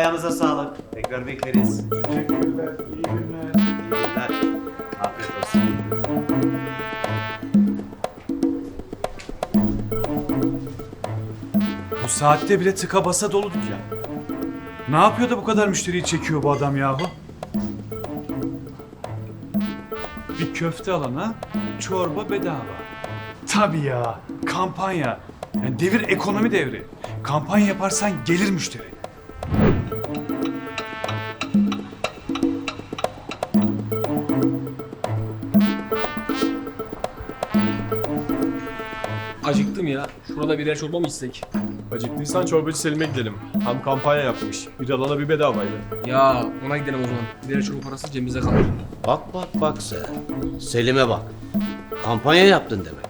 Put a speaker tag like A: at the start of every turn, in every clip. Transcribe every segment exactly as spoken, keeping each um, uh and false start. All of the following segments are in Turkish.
A: ayağınıza sağlık. Tekrar bekleriz.
B: Teşekkürler. İyi günler.
A: İyi günler. Afiyet olsun.
B: Bu saatte bile tıka basa dolu dükkan. Ne yapıyor da bu kadar müşteriyi çekiyor bu adam yahu? Bir köfte alana çorba bedava. Tabii ya, kampanya. Yani devir ekonomi devri. Kampanya yaparsan gelir müşteri.
C: Acıktım ya. Şurada birer çorba mı içsek?
D: Acıktıysan çorbacı Selim'e gidelim. Hem kampanya yapmış. Bir alana bir bedavaydı.
C: Ya ona gidelim o zaman. Birer çorba parası cebimize kalır.
A: Bak bak bak sen. Selim'e bak. Kampanya yaptın demek.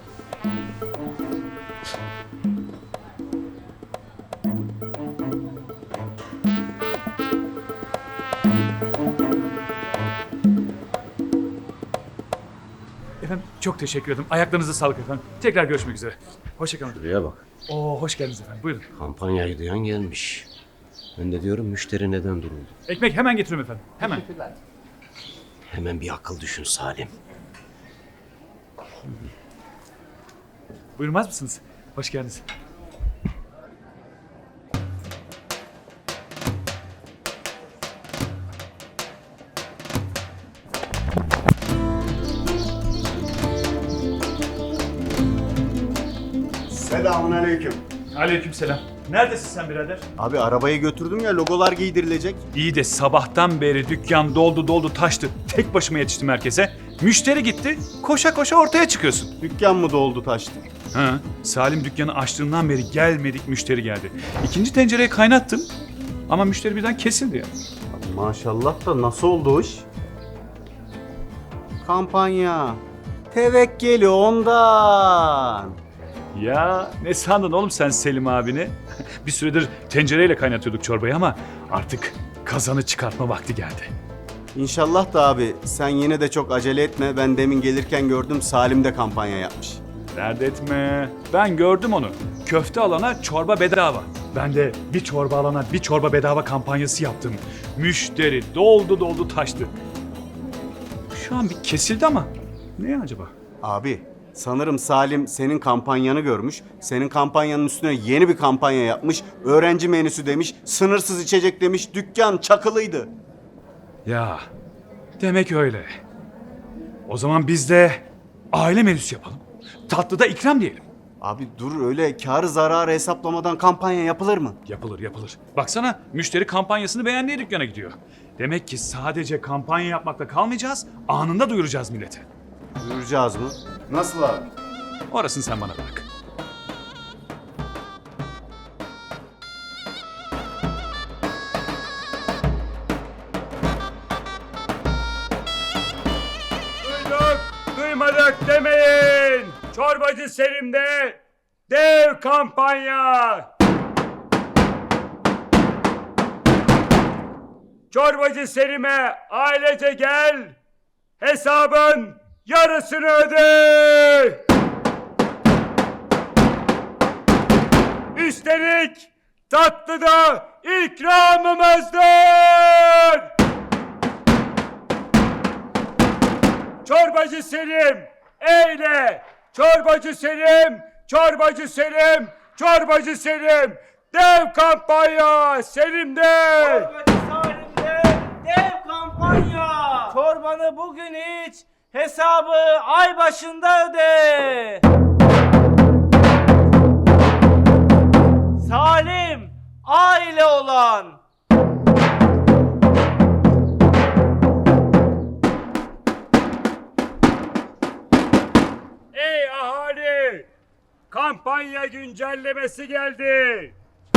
B: Efendim çok teşekkür ederim. Ayaklarınıza sağlık efendim. Tekrar görüşmek üzere. Hoşçakalın.
A: Buraya bak.
B: Oo hoş geldiniz efendim. Buyurun.
A: Kampanyayı duyan gelmiş. Ben de diyorum müşteri neden duruldu?
B: Ekmek hemen getiriyorum efendim. Hemen.
A: Hemen bir akıl düşün Salim.
B: Buyurmaz mısınız? Hoş geldiniz.
E: Selamünaleyküm.
B: Aleykümselam. Neredesin sen birader?
E: Abi arabayı götürdüm ya, logolar giydirilecek.
B: İyi de sabahtan beri dükkan doldu doldu taştı. Tek başıma yetiştim herkese. Müşteri gitti. Koşa koşa ortaya çıkıyorsun.
E: Dükkan mı doldu taştı?
B: Ha, Salim dükkanı açtığından beri gelmedik müşteri geldi. İkinci tencereyi kaynattım. Ama müşteri birden kesildi ya.
E: Abi maşallah da nasıl oldu o iş? Kampanya. Tevekkeli ondan.
B: Ya ne sandın oğlum sen Selim abini? Bir süredir tencereyle kaynatıyorduk çorbayı ama artık kazanı çıkartma vakti geldi.
E: İnşallah da abi sen yine de çok acele etme. Ben demin gelirken gördüm, Salim de kampanya yapmış.
B: Dert etme. Ben gördüm onu. Köfte alana çorba bedava. Ben de bir çorba alana bir çorba bedava kampanyası yaptım. Müşteri doldu doldu taştı. Şu an bir kesildi ama ne acaba?
E: Abi sanırım Salim senin kampanyanı görmüş. Senin kampanyanın üstüne yeni bir kampanya yapmış. Öğrenci menüsü demiş, sınırsız içecek demiş. Dükkan çakılıydı.
B: Ya demek öyle. O zaman biz de aile menüsü yapalım. Tatlıda ikram diyelim.
E: Abi dur, öyle karı zararı hesaplamadan kampanya yapılır mı?
B: Yapılır yapılır. Baksana müşteri kampanyasını beğendiği dükkana gidiyor. Demek ki sadece kampanya yapmakla kalmayacağız, anında duyuracağız millete.
E: Duyuracağız mı? Nasıl abi?
B: Orasını sen bana bırak.
F: Duyduk, duymadık demeyin. Çorbacı Selim'de dev kampanya. Çorbacı Selim'e ailece gel, hesabın yarısını öde. Üstelik tatlı da ikramımızdır. Çorbacı Selim, eyle! Çorbacı Selim, çorbacı Selim, çorbacı Selim. Dev kampanya Selim'de.
G: Çorbacı Salim'de dev kampanya. Çorbanı bugün iç, hesabı ay başında öde. Salim, aile olan.
F: Ey ahali! Kampanya güncellemesi geldi.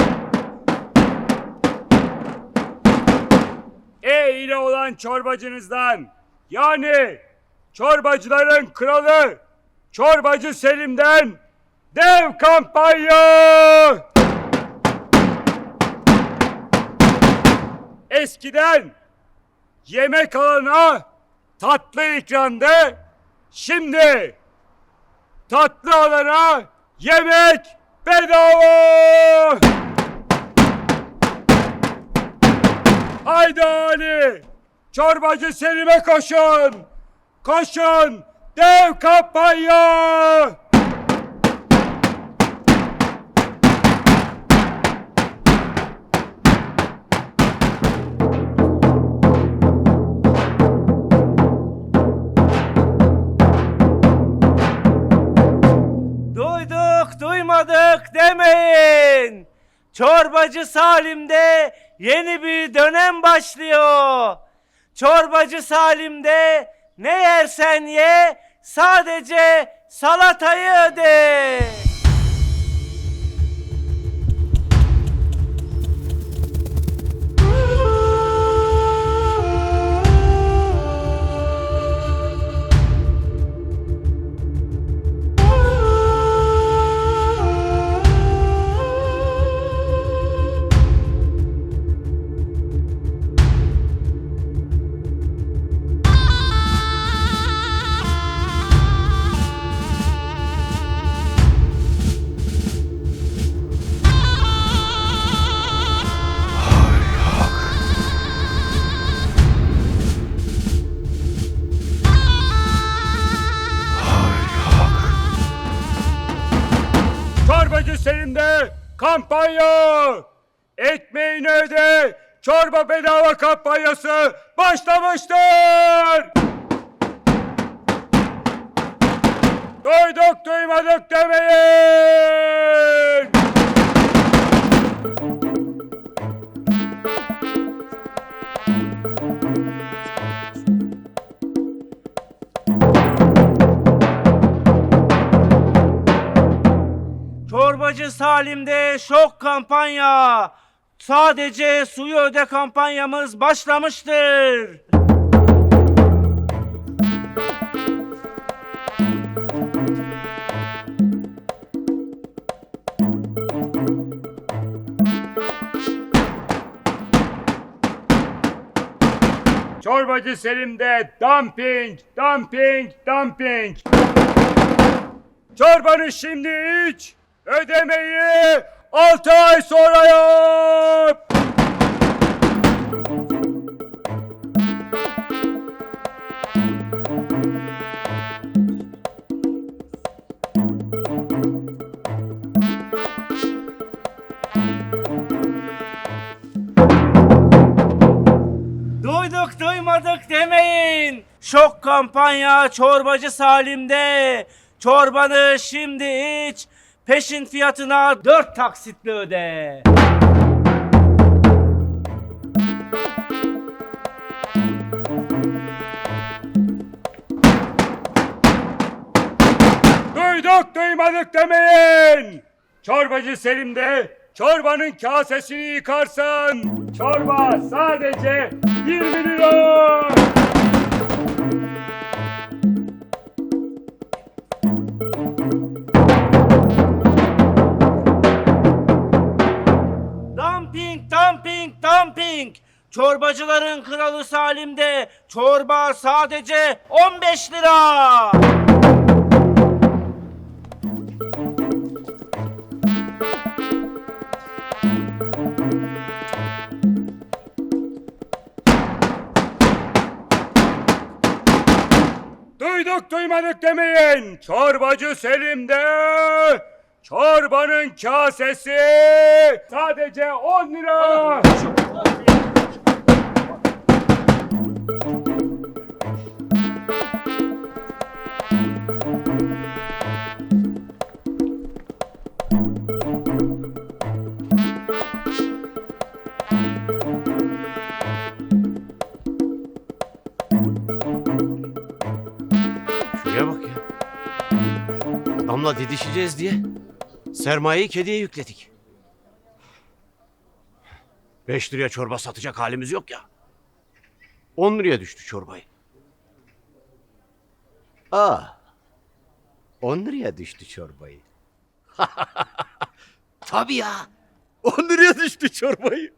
F: E ile olan çorbacınızdan, yani çorbacıların kralı Çorbacı Selim'den dev kampanya! Eskiden yemek alana tatlı ikramdı, şimdi tatlı alana yemek bedava! Haydi Ali! Çorbacı Selim'e koşun! Koşun! Dev kampanya!
G: Duyduk duymadık demeyin. Çorbacı Salim'de yeni bir dönem başlıyor. Çorbacı Salim'de ne yersen ye, sadece salatayı öde.
F: Çorbacı Selim'de kampanya! Ekmeğini öde, çorba bedava kampanyası başlamıştır! Duyduk duymadık demeyin!
G: Çorbacı Salim'de şok kampanya. Sadece suyu öde kampanyamız başlamıştır.
F: Çorbacı Selim'de dumping, dumping, dumping. Çorbanı şimdi iç, ödemeyi altı ay sonra yap.
G: Duyduk duymadık demeyin. Şok kampanya Çorbacı Salim'de. Çorbanı şimdi iç, peşin fiyatına dört taksitle öde.
F: Duyduk duymadık demeyin. Çorbacı Selim'de çorbanın kasesini yıkarsan çorba sadece yirmi lira.
G: Dumping, dumping, dumping. Çorbacıların kralı Salim'de çorba sadece on beş lira.
F: Duyduk duymadık demeyin. Çorbacı Selim'de çorbanın kasesi sadece on lira.
A: Şuraya bak ya. Adamla didişeceğiz diye sermayeyi kediye yükledik. Beş liraya çorba satacak halimiz yok ya. On liraya düştü çorbayı. Aa, on liraya düştü çorbayı. Tabii ya. On liraya düştü çorbayı.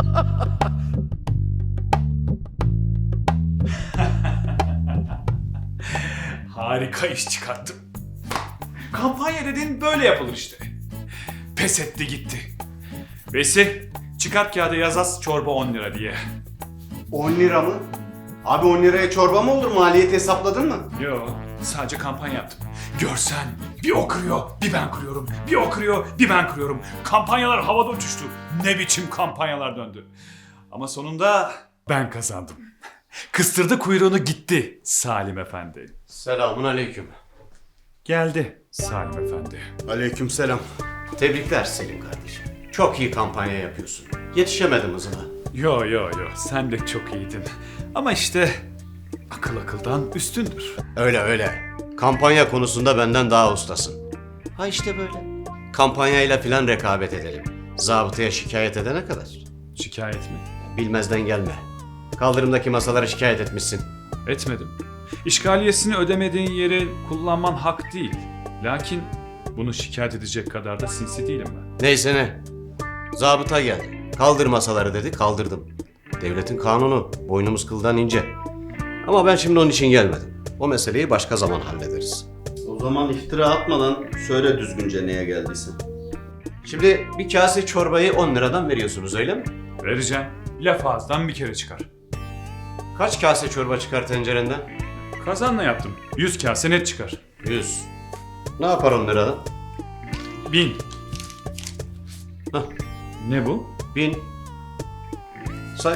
B: Harika iş çıkarttım. Kampanya dedin böyle yapılır işte. Pes etti gitti. Vesi, çıkart kağıda yaz az çorba on lira diye.
E: on lira mı? Abi on liraya çorba mı olur? Maliyeti hesapladın mı?
B: Yo, sadece kampanya yaptım. Görsen bir o kırıyor, bir ben kırıyorum. Bir o kırıyor, bir ben kırıyorum. Kampanyalar havada uçuştu. Ne biçim kampanyalar döndü. Ama sonunda ben kazandım. Kıstırdı kuyruğunu gitti Salim Efendi.
A: Selamun aleyküm.
B: Geldi Salim Efendi.
E: Aleykümselam.
A: Tebrikler Selim kardeşim. Çok iyi kampanya yapıyorsun. Yetişemedim hızına.
B: Yo yo yo, sen de çok iyiydin. Ama işte akıl akıldan üstündür.
A: Öyle öyle. Kampanya konusunda benden daha ustasın. Ha işte böyle. Kampanyayla filan rekabet edelim. Zabıtaya şikayet edene kadar.
B: Şikayet mi?
A: Bilmezden gelme. Kaldırımdaki masalara şikayet etmişsin.
B: Etmedim. İşgaliyesini ödemediğin yeri kullanman hak değil. Lakin bunu şikayet edecek kadar da sinsi değilim ben.
A: Neyse ne. Zabıta geldi. Kaldır masaları dedi, kaldırdım. Devletin kanunu, boynumuz kıldan ince. Ama ben şimdi onun için gelmedim. O meseleyi başka zaman hallederiz.
E: O zaman iftira atmadan söyle düzgünce neye geldiysen.
A: Şimdi bir kase çorbayı on liradan veriyorsunuz öyle mi?
B: Vereceğim. Laf ağızdan bir kere çıkar.
A: Kaç kase çorba çıkar tencerenden?
B: Kazanla yaptım. Yüz kase net çıkar.
A: Yüz. Ne yapar on liradan?
B: Bin.
A: Hah,
B: Ne bu?
A: bin. Say.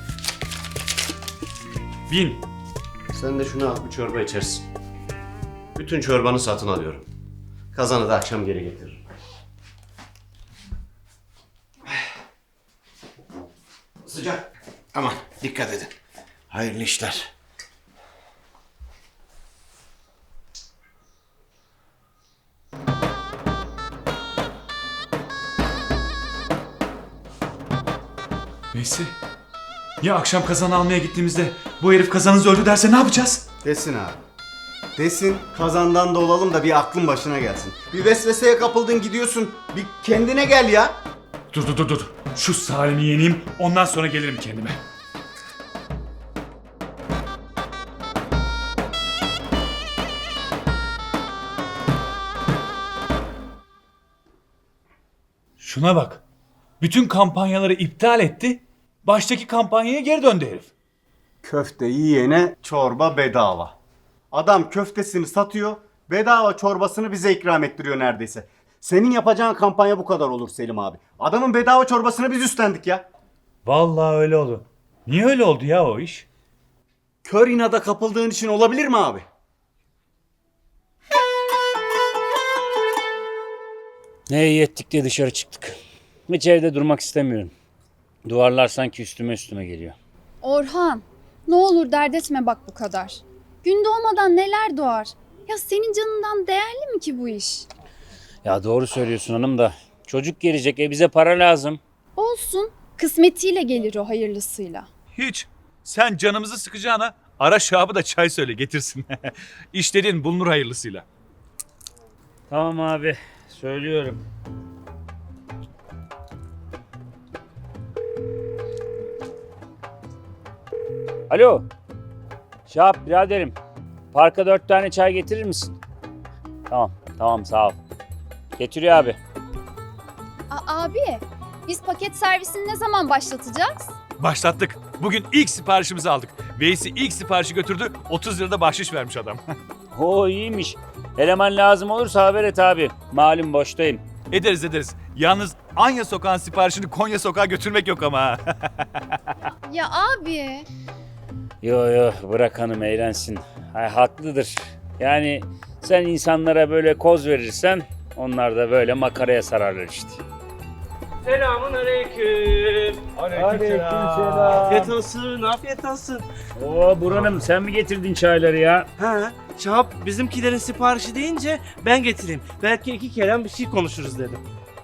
B: Bin.
A: Sen de şunu al, bir çorba içersin. Bütün çorbanı satın alıyorum. Kazanı da akşam geri getiririm. Sıcak. Aman dikkat edin. Hayırlı işler.
B: Neyse. Ya akşam kazan almaya gittiğimizde bu herif kazanınızı öldü derse ne yapacağız?
E: Desin abi. Desin kazandan da olalım da bir aklın başına gelsin. Bir vesveseye kapıldın gidiyorsun. Bir kendine gel ya.
B: Dur dur dur dur. Şu Salim'i yeneyim, ondan sonra gelirim kendime. Şuna bak. Bütün kampanyaları iptal etti. Baştaki kampanyaya geri döndü herif.
E: Köfte yiyene çorba bedava. Adam köftesini satıyor, bedava çorbasını bize ikram ettiriyor neredeyse. Senin yapacağın kampanya bu kadar olur Selim abi. Adamın bedava çorbasını biz üstlendik ya.
B: Vallahi öyle oldu. Niye öyle oldu ya o iş?
E: Kör inada kapıldığın için olabilir mi abi?
H: Ne iyi ettik diye dışarı çıktık. Hiç evde durmak istemiyorum. Duvarlar sanki üstüme üstüme geliyor.
I: Orhan, ne olur dert etme bak bu kadar. Gün doğmadan neler doğar. Ya senin canından değerli mi ki bu iş?
H: Ya doğru söylüyorsun hanım da. Çocuk gelecek, e bize para lazım.
I: Olsun, kısmetiyle gelir o hayırlısıyla.
B: Hiç. Sen canımızı sıkacağına ara Şahab'ı da çay söyle getirsin. İş dediğin bulunur hayırlısıyla.
H: Tamam abi, söylüyorum. Alo. Şahap biraderim. Parka dört tane çay getirir misin? Tamam, tamam sağ ol. Getiriyor abi.
I: A- abi, biz paket servisini ne zaman başlatacağız?
B: Başlattık. Bugün ilk siparişimizi aldık. Veysi ilk siparişi götürdü. otuz lirada bahşiş vermiş adam.
H: Oo iyiymiş. Eleman lazım olursa haber et abi. Malum boştayım.
B: Ederiz ederiz. Yalnız Anya Sokağı'nın siparişini Konya Sokağa götürmek yok ama. ha.
I: Ya abi.
H: Yo yo bırak hanım eğlensin. Ay, haklıdır. Yani sen insanlara böyle koz verirsen onlar da böyle makaraya sararlar işte.
G: Selamun aleyküm.
H: Aleykümselam.
G: Afiyet olsun, afiyet olsun.
H: Oo Burhan'ım sen mi getirdin çayları ya?
G: Ha, Şahap bizimkilerin siparişi deyince ben getireyim. Belki iki kelam bir şey konuşuruz dedim.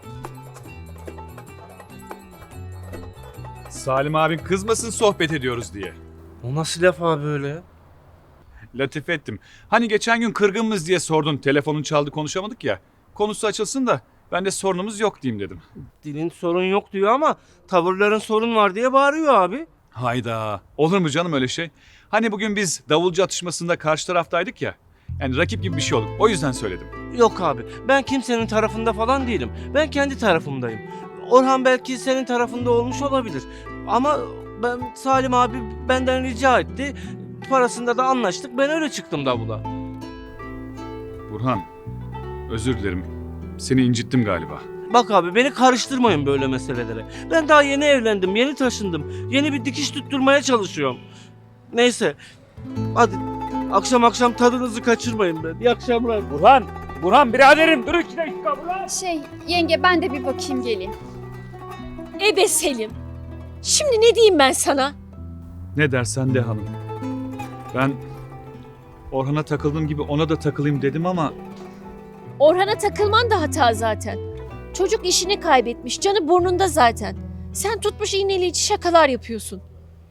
B: Salim abin kızmasın sohbet ediyoruz diye.
G: O nasıl laf abi öyle?
B: Latife ettim. Hani geçen gün kırgınmız diye sordun. Telefonun çaldı konuşamadık ya. Konusu açılsın da ben de sorunumuz yok diyeyim dedim.
G: Dilin sorun yok diyor ama tavırların sorun var diye bağırıyor abi.
B: Hayda. Olur mu canım öyle şey? Hani bugün biz davulcu atışmasında karşı taraftaydık ya. Yani rakip gibi bir şey olduk. O yüzden söyledim.
G: Yok abi, ben kimsenin tarafında falan değilim. Ben kendi tarafımdayım. Orhan belki senin tarafında olmuş olabilir. Ama Ben Salim abi benden rica etti. Parasında da anlaştık. Ben öyle çıktım davula.
B: Burhan, özür dilerim. Seni incittim galiba.
G: Bak abi beni karıştırmayın böyle meselelere. Ben daha yeni evlendim, yeni taşındım. Yeni bir dikiş tutturmaya çalışıyorum. Neyse. Hadi akşam akşam tadınızı kaçırmayın ben. İyi akşamlar.
F: Burhan, Burhan biraderim dur iki dakika Burhan.
I: Şey yenge ben de bir bakayım geleyim.
J: Ebe Selim. Şimdi ne diyeyim ben sana?
B: Ne dersen de hanım. Ben Orhan'a takıldığım gibi ona da takılayım dedim ama
J: Orhan'a takılman da hata zaten. Çocuk işini kaybetmiş, canı burnunda zaten. Sen tutmuş iğneleyici şakalar yapıyorsun.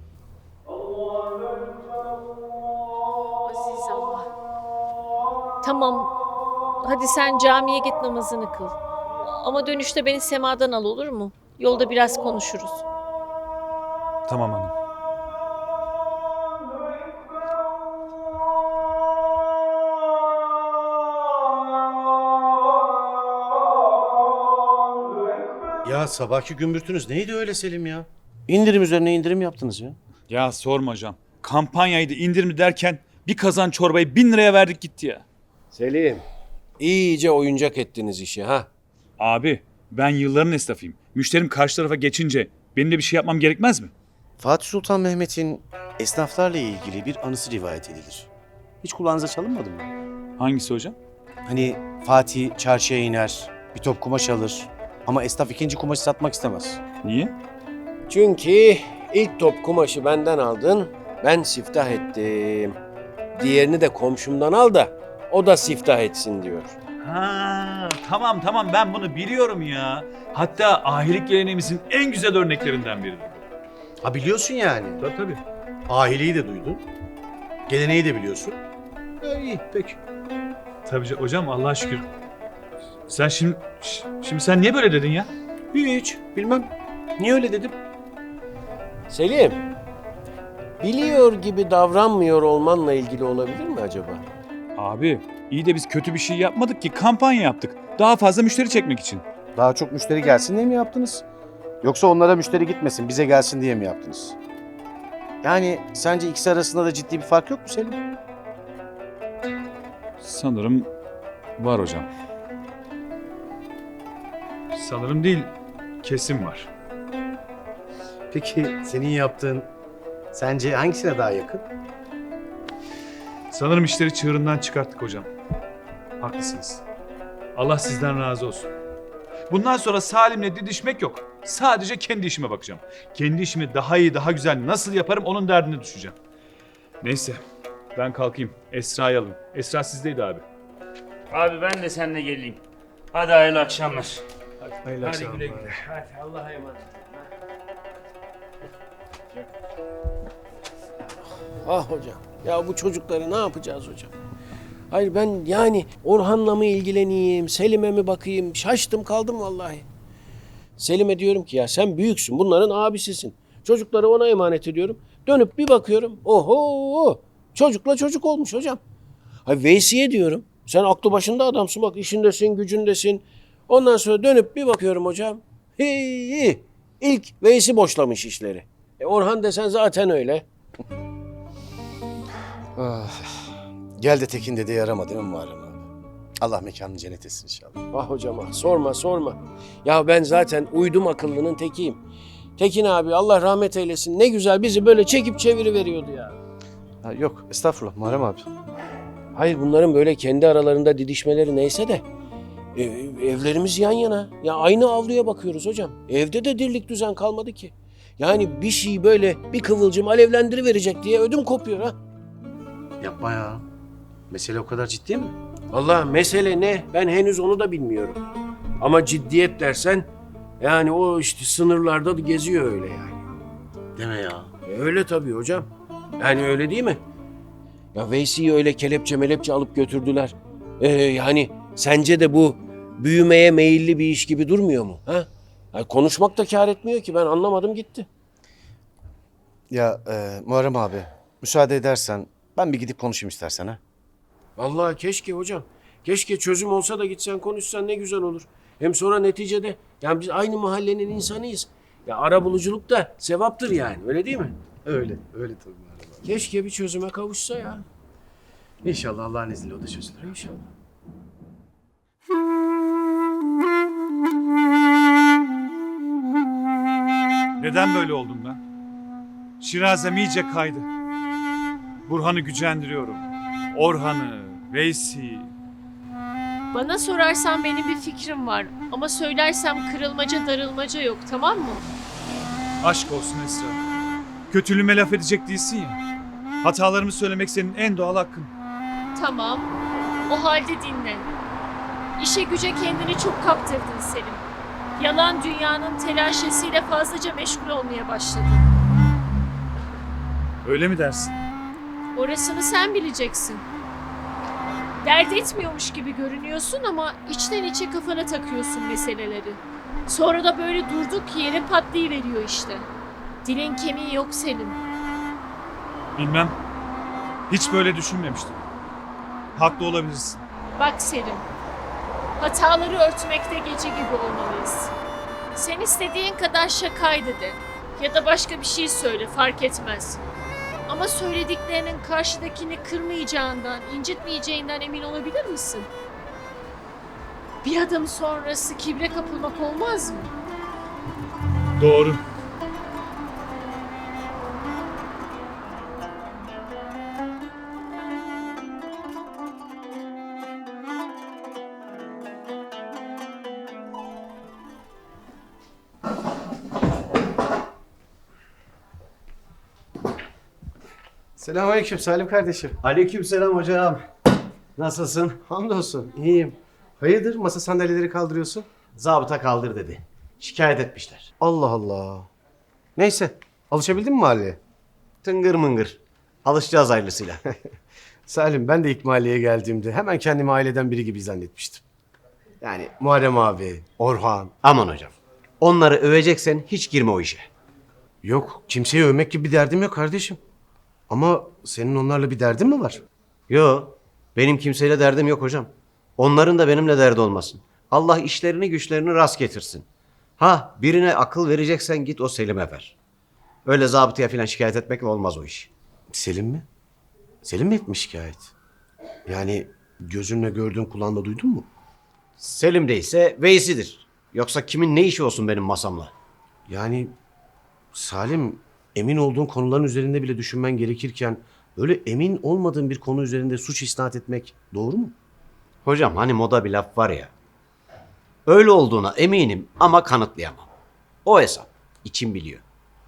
J: Aziz Allah. Tamam, hadi sen camiye git namazını kıl. Ama dönüşte beni semadan al olur mu? Yolda biraz konuşuruz.
B: tamam hanım.
A: Ya sabahki gümbürtünüz neydi öyle Selim ya? İndirim üzerine indirim yaptınız ya.
B: Ya sorma hocam. Kampanyaydı indirimli derken bir kazan çorbayı bin liraya verdik gitti ya.
K: Selim, iyice oyuncak ettiniz işi ha.
B: Abi ben yılların esnafıyım. Müşterim karşı tarafa geçince benim de bir şey yapmam gerekmez mi?
A: Fatih Sultan Mehmet'in esnaflarla ilgili bir anısı rivayet edilir. Hiç kulağınıza çalınmadı mı?
B: Hangisi hocam?
A: Hani Fatih çarşıya iner, bir top kumaş alır ama esnaf ikinci kumaşı satmak istemez.
B: Niye?
K: Çünkü ilk top kumaşı benden aldın, ben siftah ettim. Diğerini de komşumdan al da o da siftah etsin diyor.
B: Ha, tamam tamam ben bunu biliyorum ya. Hatta ahilik geleneğimizin en güzel örneklerinden biridir.
A: Ha biliyorsun yani.
B: Tabii tabii.
A: Ahiliği de duydun. Geleneği de biliyorsun. Ya iyi peki.
B: Tabii ca- hocam Allah'a şükür. Sen şimdi ş- şimdi sen niye böyle dedin ya?
A: Hiç bilmem. Niye öyle dedim?
K: Selim, biliyor gibi davranmıyor olmanla ilgili olabilir mi acaba?
B: Abi iyi de biz kötü bir şey yapmadık ki kampanya yaptık. Daha fazla müşteri çekmek için.
L: Daha çok müşteri gelsin diye mi yaptınız? Yoksa onlara müşteri gitmesin, bize gelsin diye mi yaptınız? Yani sence ikisi arasında da ciddi bir fark yok mu Selim?
B: Sanırım var hocam. Sanırım değil, kesin var.
L: Peki senin yaptığın sence hangisine daha yakın?
B: Sanırım işleri çığırından çıkarttık hocam. Haklısınız. Allah sizden razı olsun. Bundan sonra Salim'le didişmek yok. Sadece kendi işime bakacağım. Kendi işimi daha iyi, daha güzel nasıl yaparım onun derdine düşeceğim. Neyse, ben kalkayım. Esra'yı alın. Esra sizdeydi abi.
H: Abi ben de seninle geleyim. Hadi hayırlı akşamlar.
B: Hayırlı
H: Hadi güle güle. Hadi Allah'a emanet.
K: Ah hocam, ya bu çocukları ne yapacağız hocam? Hayır ben yani Orhan'la mı ilgileneyim, Selim'e mi bakayım? Şaştım kaldım vallahi. Selim'e diyorum ki ya sen büyüksün, bunların abisisin. Çocukları ona emanet ediyorum. Dönüp bir bakıyorum, oho çocukla çocuk olmuş hocam. Hayır Veysi'ye diyorum, sen aklı başında adamsın bak işindesin, gücündesin. Ondan sonra dönüp bir bakıyorum hocam. Hi, ilk Veysi boşlamış işleri. E Orhan desen zaten öyle.
L: Ah, gel de Tekin dede yarama değil mi Muharrem abi? Allah mekanını cennet etsin inşallah.
K: Ah hocam ah sorma sorma. Ya ben zaten uydum akıllının tekiyim. Tekin abi Allah rahmet eylesin ne güzel bizi böyle çekip çeviriveriyordu ya.
L: Ha, yok estağfurullah Muharrem abi.
K: Hayır bunların böyle kendi aralarında didişmeleri neyse de e, evlerimiz yan yana. Ya aynı avluya bakıyoruz hocam. Evde de dirlik düzen kalmadı ki. Yani bir şey böyle bir kıvılcım alevlendiriverecek diye ödüm kopuyor ha.
L: Yapma ya. Mesele o kadar ciddi mi?
K: Allah mesele ne? Ben henüz onu da bilmiyorum. Ama ciddiyet dersen yani o işte sınırlarda da geziyor öyle yani.
L: Deme ya.
K: E, öyle tabii hocam. Yani öyle değil mi? Ya Veysi'yi öyle kelepçe melepçe alıp götürdüler. Ee, yani sence de bu büyümeye meyilli bir iş gibi durmuyor mu? Ha? Ya konuşmak da kâr etmiyor ki ben anlamadım gitti.
L: Ya e, Muharrem abi müsaade edersen ben bir gidip konuşayım istersen ha.
K: Vallahi keşke hocam. Keşke çözüm olsa da gitsen konuşsan ne güzel olur. Hem sonra neticede yani biz aynı mahallenin insanıyız. Ya ara buluculuk da sevaptır yani, öyle değil mi?
L: Öyle, öyle tabii Muharrem abi.
K: Keşke bir çözüme kavuşsa ya.
L: İnşallah Allah'ın izniyle o da çözülür.
K: İnşallah.
B: Neden böyle oldum ben? Şirazem iyice kaydı. Burhan'ı gücendiriyorum. Orhan'ı, Veysi'yi.
J: Bana sorarsan benim bir fikrim var. Ama söylersem kırılmaca darılmaca yok, tamam mı?
B: Aşk olsun Esra. Kötülüğüme laf edecek değilsin ya. Hatalarımı söylemek senin en doğal hakkın.
J: Tamam. O halde dinle. İşe güce kendini çok kaptırdın Selim. Yalan dünyanın telaşesiyle fazlaca meşgul olmaya başladın.
B: Öyle mi dersin?
J: Orasını sen bileceksin. Dert etmiyormuş gibi görünüyorsun ama içten içe kafana takıyorsun meseleleri. Sonra da böyle durduk yere patlayıveriyor işte. Dilin kemiği yok Selim.
B: Bilmem. Hiç böyle düşünmemiştim. Haklı olabilirsin.
J: Bak Selim, hataları örtmekte gece gibi olmalıyız. Sen istediğin kadar şakaydı de ya da başka bir şey söyle, fark etmez. Ama söylediklerinin karşıdakini kırmayacağından, incitmeyeceğinden emin olabilir misin? Bir adım sonrası kibre kapılmak olmaz mı?
B: Doğru.
L: Selamünaleyküm Salim kardeşim.
A: Aleykümselam hocam. Nasılsın?
L: Hamdolsun, iyiyim. Hayırdır masa sandalyeleri kaldırıyorsun?
A: Zabıta kaldır dedi. Şikayet etmişler.
L: Allah Allah. Neyse, alışabildin mi mahalleye?
A: Tıngır mıngır. Alışacağız hayırlısıyla.
L: Salim, ben de ilk mahalleye geldiğimde hemen kendimi aileden biri gibi zannetmiştim. Yani Muharrem abi, Orhan.
A: Aman hocam. Onları öveceksen hiç girme o işe.
L: Yok, kimseyi övmek gibi bir derdim yok kardeşim. Ama senin onlarla bir derdin mi var?
A: Yo, benim kimseyle derdim yok hocam. Onların da benimle derdi olmasın. Allah işlerini güçlerini rast getirsin. Ha, birine akıl vereceksen git o Selim'e ver. Öyle zabıtaya falan şikayet etmekle olmaz o iş.
L: Selim mi? Selim mi etmiş şikayet? Yani gözünle gördün, kulağınla duydun mu?
A: Selim değilse Veysi'dir. Yoksa kimin ne işi olsun benim masamla?
L: Yani Salim, emin olduğun konuların üzerinde bile düşünmen gerekirken böyle emin olmadığın bir konu üzerinde suç isnat etmek doğru mu?
A: Hocam hani moda bir laf var ya. Öyle olduğuna eminim ama kanıtlayamam. O hesap. İçim biliyor.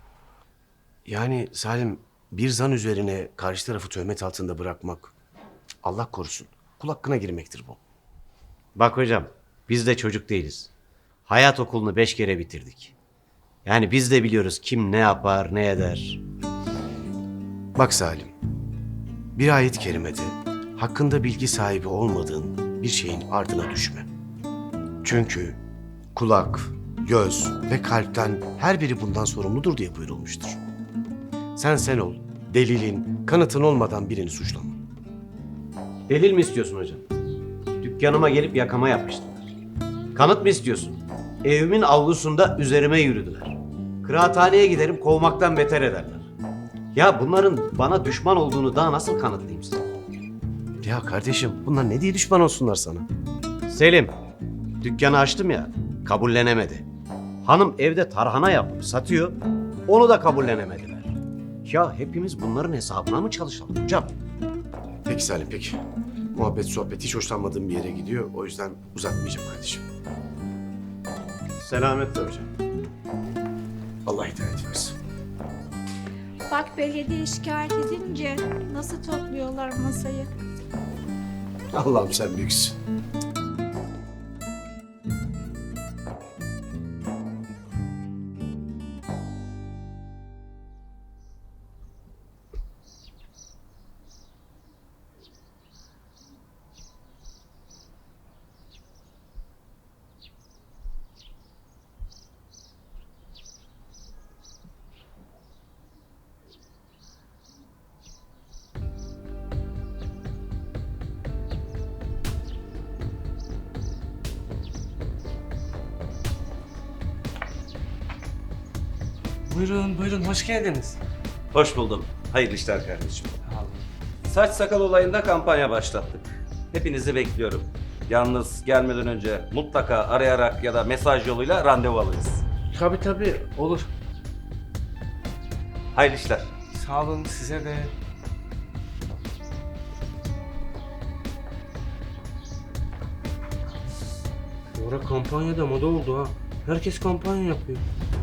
L: Yani Salim, bir zan üzerine karşı tarafı töhmet altında bırakmak, Allah korusun, kul hakkına girmektir bu.
A: Bak hocam, biz de çocuk değiliz. Hayat okulunu beş kere bitirdik. Yani biz de biliyoruz kim ne yapar, ne eder.
L: Bak Salim, bir ayet-i kerimede hakkında bilgi sahibi olmadığın bir şeyin ardına düşme. Çünkü kulak, göz ve kalpten her biri bundan sorumludur diye buyurulmuştur. Sen sen ol, delilin, kanıtın olmadan birini suçlama.
A: Delil mi istiyorsun hocam? Dükkanıma gelip yakama yapmıştılar. Kanıt mı istiyorsun? Evimin avlusunda üzerime yürüdüler. Kıraathaneye giderim kovmaktan beter ederler. Ya bunların bana düşman olduğunu daha nasıl kanıtlayayım size?
L: Ya kardeşim, bunlar ne diye düşman olsunlar sana?
A: Selim, dükkanı açtım ya, kabullenemedi. Hanım evde tarhana yapıp satıyor, onu da kabullenemediler. Ya hepimiz bunların hesabına mı çalışalım hocam?
L: Peki Salim, peki. Muhabbet, sohbet hiç hoşlanmadığım bir yere gidiyor. O yüzden uzatmayacağım kardeşim.
A: Selametle hocam.
L: Allah hidayet versin.
M: Bak belediye şikayet edince nasıl topluyorlar masayı.
L: Allah'ım sen büyüksün.
G: Buyurun buyurun hoş geldiniz.
A: Hoş buldum. Hayırlı işler kardeşim. Saç sakal olayında kampanya başlattık. Hepinizi bekliyorum. Yalnız gelmeden önce mutlaka arayarak ya da mesaj yoluyla randevu alırız.
G: Tabii tabii olur.
A: Hayırlı işler.
G: Sağ olun size de. Bu ara kampanyada moda oldu ha. Herkes kampanya yapıyor.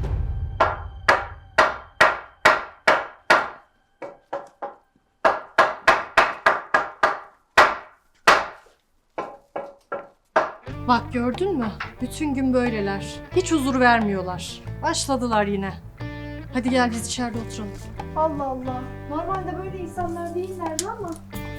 N: Bak gördün mü? Bütün gün böyleler. Hiç huzur vermiyorlar. Başladılar yine. Hadi gel biz içeride oturalım.
M: Allah Allah. Normalde böyle insanlar değillerdi ama.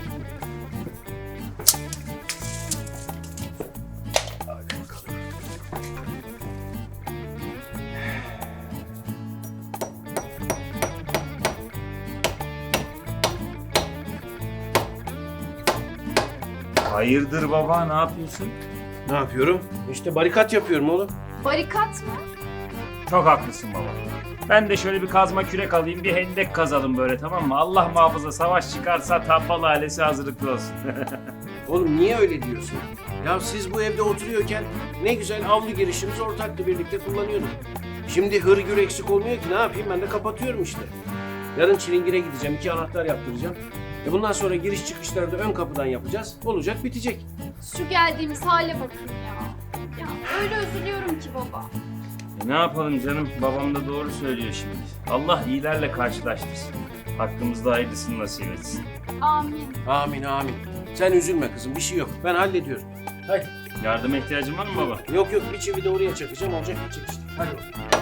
F: Hayırdır baba ne yapıyorsun?
K: Ne yapıyorum? İşte barikat yapıyorum oğlum.
I: Barikat mı?
F: Çok haklısın baba. Ben de şöyle bir kazma kürek alayım bir hendek kazalım böyle tamam mı? Allah muhafaza savaş çıkarsa tabbal ailesi hazırlıklı olsun.
K: Oğlum niye öyle diyorsun? Ya siz bu evde oturuyorken ne güzel avlu girişimiz ortaktı, birlikte kullanıyorduk. Şimdi hır gür eksik olmuyor ki, ne yapayım, ben de kapatıyorum işte. Yarın Çilingir'e gideceğim, iki anahtar yaptıracağım. E bundan sonra giriş çıkışları da ön kapıdan yapacağız. Olacak, bitecek.
I: Şu geldiğimiz hale bakın ya. Ya öyle üzülüyorum ki baba.
F: E ne yapalım canım babam da doğru söylüyor şimdi. Allah iyilerle karşılaştırsın. Hakkımızda hayırlısını nasip etsin.
I: Amin.
K: Amin amin. Sen üzülme kızım, bir şey yok. Ben hallediyorum. Hadi.
F: Yardıma ihtiyacın var mı baba?
K: Yok yok, bir çivi de oraya çakacağım, olacak bitecek işte. Hadi.